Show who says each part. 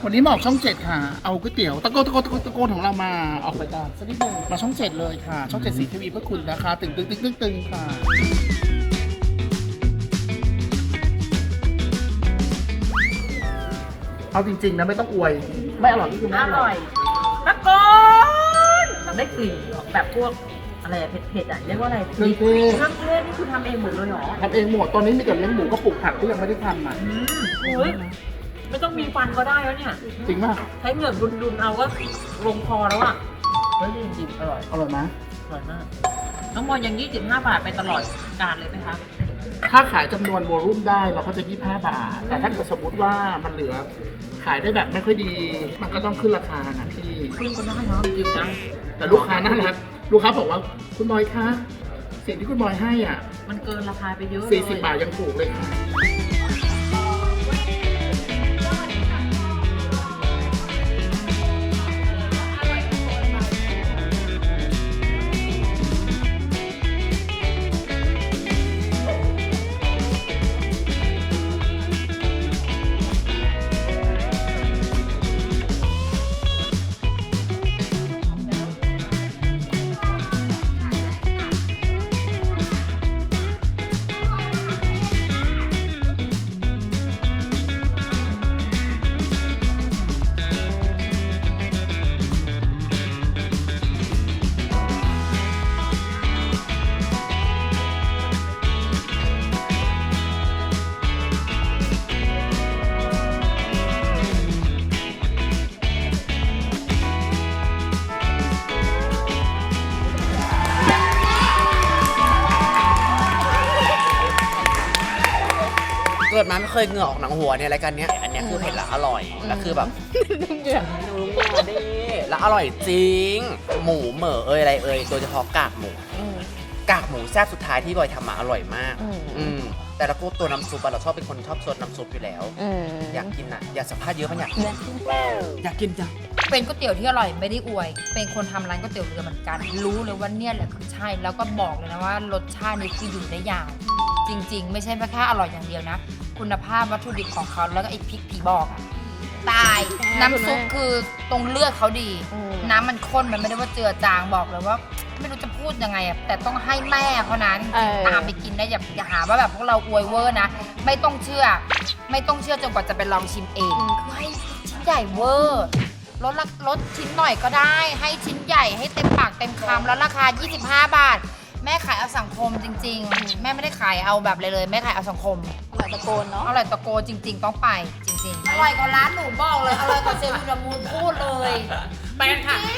Speaker 1: วันนี้มาออกช่อง7ค่ะเอาก๋วยเตี๋ยวตะโกนของเรามาออกรายการสักนิดนึงมาช่อง7เลยค่ะช่อง7 สีทีวีเพื่อคุณนะคะตึงค่ะเอาจริงๆนะไม่ต้องอวยไม่อร่อยก็คือไม่อร่อย
Speaker 2: ตะโกนมันได้กลิ่นแบบพวกอะไรอะเผ็ดๆอะเรียกว่าอะไร
Speaker 1: เครื่องเทศ
Speaker 2: เครื่องเทศนี่คือทำเองหมดเลยเหรอ
Speaker 1: ทำเองหมดตอนนี้มีแต่เลี้ยงหมูก็ปลูกผักที่ยังไม่ได้ทำอ่ะ
Speaker 2: เฮ้ยไม่ต้องมีฟันก็ได้แล้วเนี่ย
Speaker 1: จริงป่ะ
Speaker 2: ใช้เหงือกดุนๆเอาก็ลงคอแล้วอะเฮ้ยจริงๆอร่อย
Speaker 1: อร่อยไหม
Speaker 2: อร่อยมากน้องมอนยัง25 บาทไปตลอดกาลเลยไหมคะ
Speaker 1: ถ้าขายจำนวนโวลุ่มได้เราก็จะ25 บาทแต่ถ้าเกิดสมมติว่ามันเหลือขายได้แบบไม่ค่อยดี มันก็ต้องขึ้นราคานะพี่
Speaker 2: ขึ้นก็ได้เนาะจริงๆนะ
Speaker 1: แต่ลูกค้าน่ารักลูกค้าบอกว่าคุณบอยคะสิ่งที่คุณบอยให้อ่ะ
Speaker 2: มันเกินราคาไปเยอะเลย
Speaker 1: 40 บาทยังถูกเลยค่ะ
Speaker 3: เกิดมาไม่เคยเหงื่อออกหนังหัวเนี่ยรายการเนี้ยอันเนี้ยคือเผ็ดและอร่อยแล้วคือแบบนุ่มมาดิแล้วอร่อยจริง หมูเหม่ออะไรโดยเฉพาะกากหมูแซ่บสุดท้ายที่บอยทำมาอร่อยมากแต่แล้วก็ตัวน้ำซุปเราชอบเป็นคนชอบซดน้ำซุปอยู่แล้วอยากกินอ่ะอยากสัมภาษณ์เยอะมั้ยอยากกินจ้ะ
Speaker 4: เป็นก๋วยเตี๋ยวที่อร่อยไม่ได้อวย เป็นคนทำร้านก๋วยเตี๋ยวเรือเหมือนกัน รู้เลยว่าเนี่ยแหละคือใช่ แล้วก็บอกเลยนะว่ารสชาตินี้คืออยู่ได้ยาว จริง ๆ ไม่ใช่แค่อร่อยอย่างเดียวนะ คุณภาพวัตถุดิบของเขาแล้วก็ไอ้พริกผีบอกอะตาย น้ำซุปคือตรงเลือดเขาดี น้ำมันข้นมันไม่ได้ว่าเจือจางบอกเลยว่า ไม่รู้จะพูดยังไงอะแต่ต้องให้แม่เขานะจริงๆตามไปกินได้อย่าหาว่าแบบพวกเราอวยเวอร์นะ ไม่ต้องเชื่อจนกว่าจะไปลองชิมเองคือให้ชิ้นใหญ่เวอร์ลดชิ้นหน่อยก็ได้ ให้ชิ้นใหญ่ให้เต็มปากเต็มคำแล้วราคา 25 บาท แม่ขายเอาสังคมจริง ๆ แม่ไม่ได้ขายเอาแบบเลยแม่ขายเอาสังคม
Speaker 5: อร่อยตะโกนเนาะ
Speaker 4: อร่อยตะโกจริง ๆ ต้องไปจริงๆอร่อยกว่าร้านหนูบอกเลยอร่อยกว่าเซลล์มูลพูดเลย
Speaker 2: แปลงค่ะ